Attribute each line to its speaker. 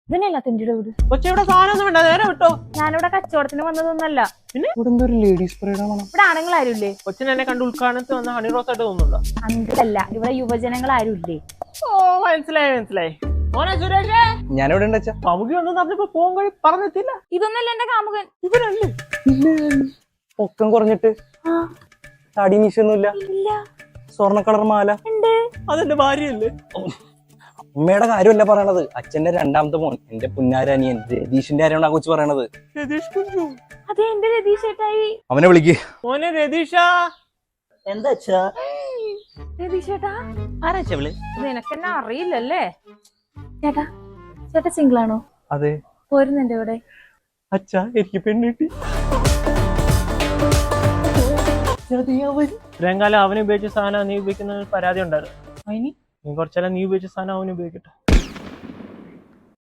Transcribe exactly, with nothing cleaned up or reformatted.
Speaker 1: ഇതിനല്ല തിന്റെ വീട്.
Speaker 2: കൊച്ചിവിടെ സാധനം വേണ്ട, നേരെ വിട്ടോ.
Speaker 1: ഞാനിവിടെ കച്ചവടത്തിന് വന്നതൊന്നല്ല.
Speaker 2: പിന്നെ
Speaker 3: ഇവിടെ ലേഡീസ്
Speaker 1: ഇവിടെ ആണുങ്ങൾ ആരും ഇല്ലേ?
Speaker 2: കൊച്ചിനെ എന്നെ കണ്ട് ഉദ്ഘാടനത്തിൽ വന്ന ഹണി റോസ് ആയിട്ട് തോന്നുന്നുണ്ടോ?
Speaker 1: അങ്കിളല്ല, ഇവിടെ യുവജനങ്ങൾ ആരും ഇല്ലേ?
Speaker 2: ഓ മനസ്സിലായി മനസ്സിലായി. മോനെ സുരേഷേ,
Speaker 3: ഞാനിവിടെ ഉണ്ട്.
Speaker 2: പമുകി ഒന്നും പറഞ്ഞപ്പോ പോകാൻ കഴി പറഞ്ഞെത്തില്ല.
Speaker 1: ഇതൊന്നല്ല എന്റെ കാമുകൻ.
Speaker 2: ഇവനല്ലേ
Speaker 3: പൊക്കം കുറഞ്ഞിട്ട് തടി മീശൊന്നുമില്ല,
Speaker 1: ഇല്ല.
Speaker 3: സ്വർണ്ണ കളർ മാല
Speaker 1: ഉണ്ട്.
Speaker 2: അതെന്റെ ഭാര്യയല്ലേ?
Speaker 3: അമ്മയുടെ കാര്യമല്ല പറയണത്, അച്ഛന്റെ രണ്ടാമത്തെ മോൻ, എന്റെ പുന്നാരനിയൻ രതീഷിന്റെ കാര്യമാണ് ആ കൊച്ചു പറയണത്.
Speaker 2: രതീഷ് കുഞ്ചു.
Speaker 1: അതെ, എന്റെ രതീഷ് ചേട്ടായി.
Speaker 3: അവനെ വിളിക്ക്.
Speaker 2: മോനെ രതീഷ.
Speaker 4: എന്താ
Speaker 1: രതീഷ് ചേട്ടാ,
Speaker 4: ആരാച്ചവള്?
Speaker 1: നിനക്കെന്നെ അറിയില്ലല്ലേ? ചേട്ടാ, ചേട്ടാ സിംഗിൾ ആണോ?
Speaker 3: അതെ.
Speaker 1: പോരുന്നുണ്ട് ഇവിടെ.
Speaker 2: അച്ഛാ, എനിക്ക് പെണ്ണിട്ടി. ഇത്രയും കാലം അവന് ഉപയോഗിച്ച സാധനം നീ ഉപയോഗിക്കുന്ന പരാതി ഉണ്ടായിരുന്നു. നീ കുറച്ചെല്ലാം നീ ഉപയോഗിച്ച സാധനം അവന് ഉപയോഗിക്കട്ടെ.